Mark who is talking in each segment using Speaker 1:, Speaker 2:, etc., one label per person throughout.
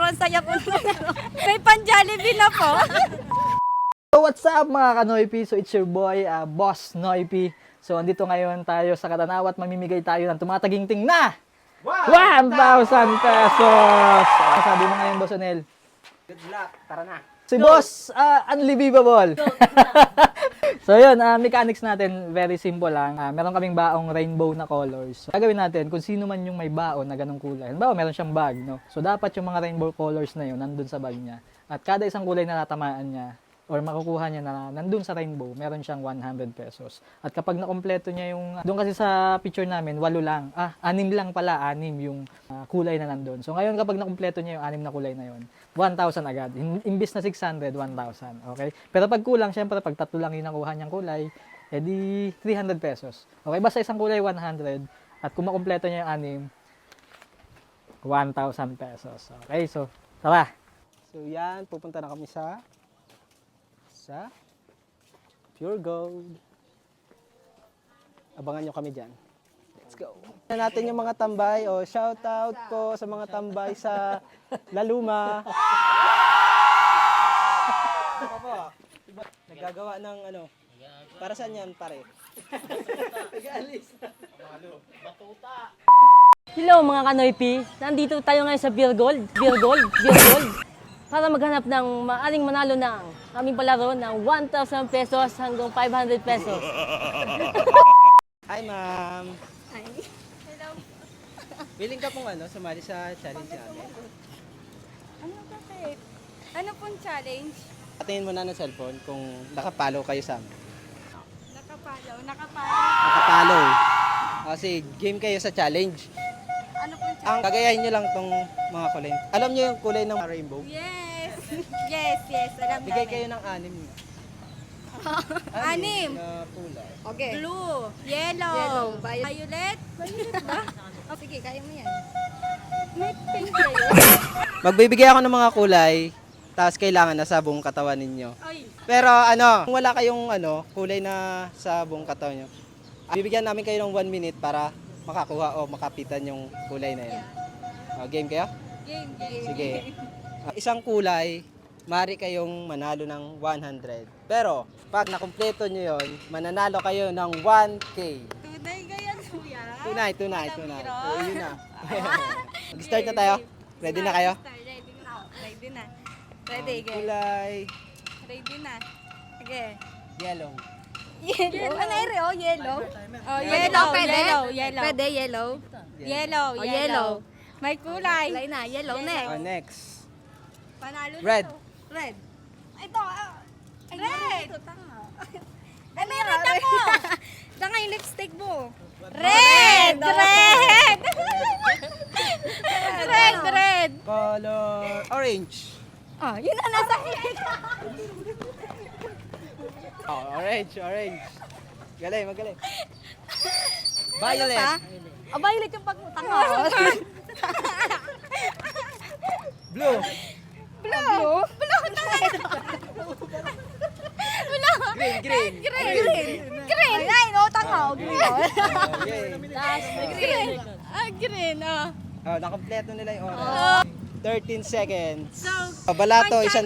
Speaker 1: Sobrang saya po. May pan-Jollibee na po.
Speaker 2: So what's up mga ka-Noypi? So it's your boy, Boss Noypi. So andito ngayon tayo sa Katanawa at mamimigay tayo ng tumataginting na 1,000 pesos! Ano sabi mo ngayon, Boss Onel?
Speaker 3: Good luck, tara na.
Speaker 2: Si Boss, unbelievable! So yun, mechanics natin, very simple lang. Meron kaming baong rainbow na colors. So, gagawin natin kung sino man yung may baon na ganong kulay. Halimbawa, meron siyang bag, no? So dapat yung mga rainbow colors na yun nandun sa bag niya. At kada isang kulay na natamaan niya, or makukuha niya na nandun sa rainbow, meron siyang 100 pesos. At kapag nakompleto niya yung, doon kasi sa picture namin, 8 lang. 6 lang pala, 6 yung kulay na nandun. So ngayon kapag nakompleto niya yung 6 na kulay na yun, 1,000 agad. Imbis na 600, 1,000. Okay? Pero pag kulang, syempre pag 3 lang yung nakuha niyang kulay, edi 300 pesos. Okay? Basta isang kulay, 100. At kung makompleto niya yung 6, 1,000 pesos. Okay? So, tara!
Speaker 3: So yan, pupunta na kami sa Pure Gold. Abangan nyo kami dyan. Let's go. Na natin yung mga tambay. O, shout out po sa mga tambay sa Laluma. Ako po. Nagagawa ng ano. Para saan yan, pare?
Speaker 4: Hello mga Kanoypi, nandito tayo ngayon sa Beer Gold, para maghanap ng maaring manalo ng aming palaro ng 1,000 pesos hanggang 500 pesos.
Speaker 3: Hi, ma'am.
Speaker 1: Hi. Hello.
Speaker 3: Willing ka pong sumali sa challenge namin?
Speaker 1: Ano bakit? Ano pong challenge?
Speaker 3: Patingin mo na ng cellphone kung nakapalo kayo sa amin.
Speaker 1: Nakapalo.
Speaker 3: Nakapalo. Kasi game kayo sa challenge.
Speaker 1: Ano pong challenge?
Speaker 3: Ang gagayahin nyo lang tong mga kulay. Alam nyo yung kulay ng rainbow?
Speaker 1: Yes. Yes. Alam
Speaker 3: Bigay
Speaker 1: namin.
Speaker 3: kayo ng 6.
Speaker 1: Anim.
Speaker 3: Na kulay.
Speaker 1: Okay. Blue, yellow, violet. Violet ba? Oh, sige, kaya mo yan. May pink kayo.
Speaker 3: Magbibigay ako ng mga kulay, tapos kailangan nasa buong katawan ninyo.
Speaker 1: Ay.
Speaker 3: Pero kung wala kayong kulay na sa buong katawan nyo, bibigyan namin kayo ng 1 minute para makakuha o makapitan yung kulay na yun. Game kayo?
Speaker 1: Game.
Speaker 3: Sige. Isang kulay, maaari kayong manalo ng 100. Pero, pag nakumpleto nyo yon, mananalo kayo ng 1K.
Speaker 1: Tunay kaya kuya.
Speaker 3: Tunay.
Speaker 1: Biro.
Speaker 3: So, yun na. Mag-start na tayo. Ready na kayo?
Speaker 1: Ready na. Ready,
Speaker 3: Ang
Speaker 1: game.
Speaker 3: kulay,
Speaker 1: Ready na. Sige.
Speaker 3: yellow.
Speaker 1: Yellow. Ano ere? Oh, yellow. Oh,
Speaker 4: Pwede
Speaker 1: yellow.
Speaker 4: ba? Pwede?
Speaker 1: Yellow.
Speaker 4: Pwede, yellow.
Speaker 1: Yellow.
Speaker 4: Oh, yellow.
Speaker 1: May kulay.
Speaker 4: Kulay na, yellow next.
Speaker 3: Next.
Speaker 1: Panalo na
Speaker 3: Red.
Speaker 1: to. Red. Ito. Red. Ito, tanga. Ano yung red ako? Tanga yung lipstick mo. Red! Red! Red!
Speaker 3: Color orange.
Speaker 1: Oh, yun na nasa
Speaker 3: Orange. Magaling. Violet.
Speaker 1: Oh, violet yung pagmutang mo.
Speaker 3: Blue.
Speaker 1: Blue? Blue na
Speaker 3: Green.
Speaker 1: Green! Ay, no, tanga. Green.
Speaker 3: Okay.
Speaker 1: Green, oh.
Speaker 3: Nakompleto nila yung oras. 13 seconds. Balato, 100.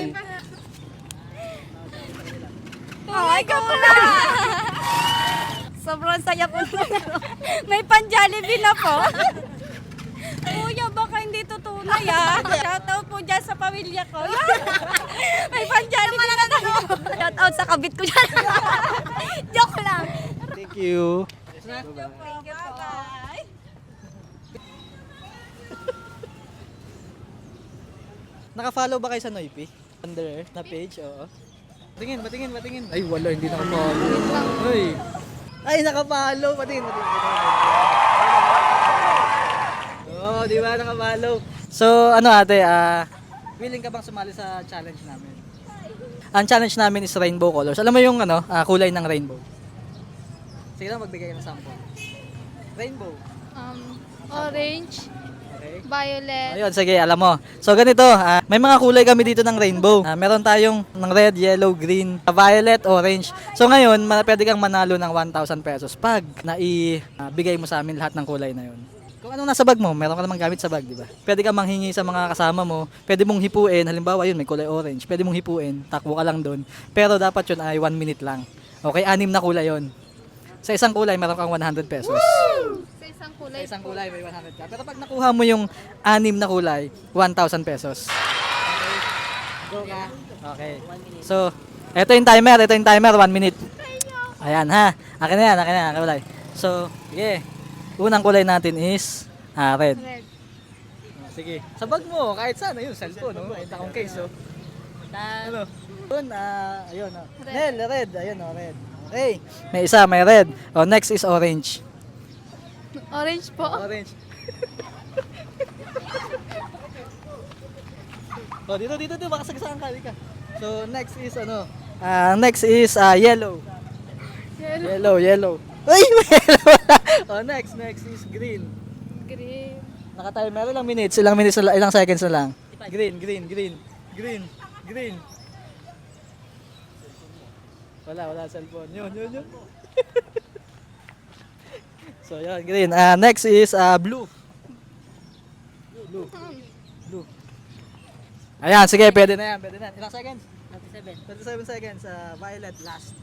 Speaker 1: Oh, ikaw na! Sobrang saya po. May pan-Jollibee na po. Kuya, baka hindi to tunay Shoutout po dyan sa pamilya ko. May pan-Jollibee na po. Shoutout sa kabit ko dyan. Joke lang.
Speaker 3: Thank you.
Speaker 1: Thank you po. Bye.
Speaker 2: Naka-follow ba kayo sa Noypi? Under na page, oo. Patingin. Ay, wala, hindi naka-follow. Ay, naka-follow. Patingin. Oo, di ba naka-follow? So, ate, willing ka bang sumali sa challenge namin? Ang challenge namin is rainbow colors. Alam mo yung kulay ng rainbow? Sige lang, magbigay ka ng sample. Rainbow.
Speaker 1: Orange,
Speaker 2: Okay.
Speaker 1: violet.
Speaker 2: Ayun, sige, alam mo. So ganito, may mga kulay kami dito ng rainbow. Meron tayong ng red, yellow, green, violet, orange. So ngayon, pwede kang manalo ng 1,000 pesos pag naibigay mo sa amin lahat ng kulay na yun. Kung anong nasa bag mo, meron ka namang gamit sa bag, di ba? Pwede ka manghingi sa mga kasama mo, pwede mong hipuin, halimbawa yun, may kulay orange, pwede mong hipuin, takbo ka lang doon. Pero dapat yun ay 1 minute lang. Okay, 6 na kulay yun. Sa isang kulay, meron kang 100 pesos.
Speaker 5: Sa isang kulay.
Speaker 2: Sa isang kulay, may 100 ka. Pero pag nakuha mo yung 6 na kulay, 1,000 pesos. Okay. Go ka. Okay. So, ito yung timer, 1 minute. Ayan ha. Akin na yan, akin kulay. So, sige. Unang kulay natin is red.
Speaker 5: Red.
Speaker 2: Sige. Sa bag mo, kahit saan, ayun, cellphone, no? Kahit akong case, oh. Ano? Yun, ayun, oh.
Speaker 5: Red.
Speaker 2: Red, ayun, oh, red. Okay. May isa, may red. Oh, next is orange.
Speaker 5: Orange po.
Speaker 2: Orange. Oh, dito, baka sagasaan ka, ka. So, next is yellow. Yellow. Ay, may yellow. Oh, next is green.
Speaker 5: Green.
Speaker 2: Naka-timer, ilang minutes, ilang seconds na lang. Green. Wala cellphone. Yun. So, yun, green. Next is blue. Blue. Ayan, sige, pwede na yan. Ilang seconds? 37 seconds. Violet, last.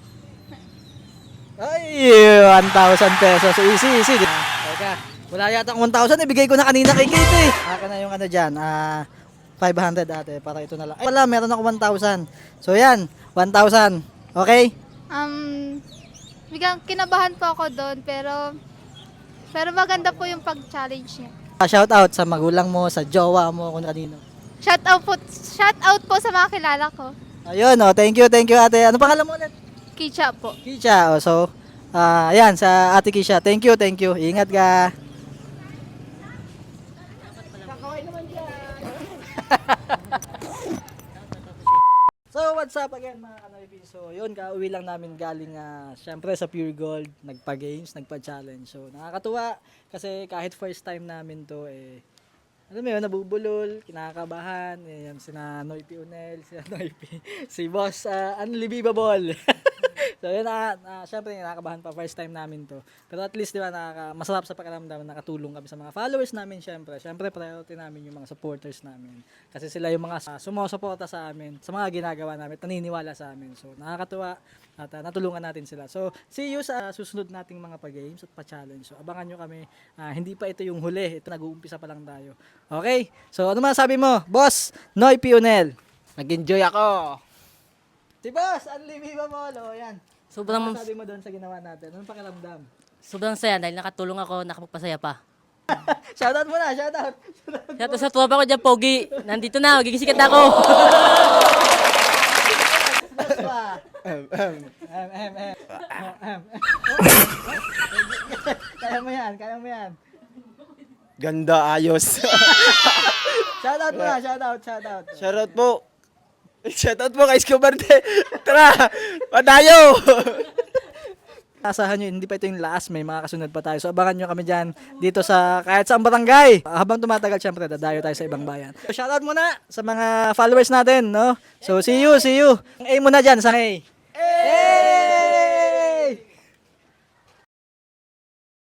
Speaker 2: Ay, 1,000 pesos. So, easy. Teka, wala yata akong 1,000. Ibigay ko na kanina kay Kate eh. Akin na yung dyan. 500 ate, para ito na lang. Ay, wala, meron ako 1,000. So, yan, 1,000. Okay?
Speaker 5: Biglang kinabahan po ako doon, pero maganda po yung pag-challenge niya.
Speaker 2: Shout out sa magulang mo, sa jowa mo, kung kanino.
Speaker 5: Shout out po sa mga kilala ko.
Speaker 2: Ayun, thank you ate. Ano pangalan mo ulit?
Speaker 5: Kicha po.
Speaker 2: Kisha. So, ayan, sa ate Kisha. Thank you. Ingat ka. So, what's up again mga Kanoypi? So, yun, kauwi lang namin galing, syempre sa Pure Gold, nagpa-games, nagpa-challenge. So, nakakatuwa kasi kahit first time namin to, alam mo yun, nabubulol, kinakabahan, yan, sina Noypi Unel, si Boss, Unbelievable. So yun, syempre nakakabahan pa, first time namin to. Pero at least, di ba, masarap sa pakiramdam, nakatulong kami sa mga followers namin, syempre. Syempre, priority namin yung mga supporters namin. Kasi sila yung mga sumusuporta sa amin, sa mga ginagawa namin, naniniwala sa amin. So, nakakatuwa at natulungan natin sila. So, see you sa susunod nating mga pa-games at pa-challenge. So, abangan nyo kami. Hindi pa ito yung huli. Ito, nag-uumpisa pa lang tayo. Okay? So, ano masabi mo? Boss, Noypi Unel. Nag-enjoy ako. Si Boss, Unbelievable. O, yan.
Speaker 4: Sobrang,
Speaker 2: Ano masabi mo doon sa ginawa natin? Anong pakiramdam?
Speaker 4: sobrang saya dahil nakatulong ako, nakapagpasaya pa.
Speaker 2: Shoutout mo na, shoutout.
Speaker 4: Kaya sa tropa ko dyan, Pogi, nandito na, magigisikat ako.
Speaker 2: Kaya mo yan.
Speaker 3: Ganda, ayos.
Speaker 2: Shoutout mo na, shoutout.
Speaker 3: Shoutout po. Shoutout po kay Escobar. Tara, patayo.
Speaker 2: Asahan nyo, hindi pa ito yung last, may mga kasunod pa tayo. So abangan nyo kami dyan dito sa kahit saang barangay. Habang tumatagal, syempre, dadayo tayo sa ibang bayan. So, shoutout muna sa mga followers natin, no? So see you. Ang aim mo na dyan, sa A.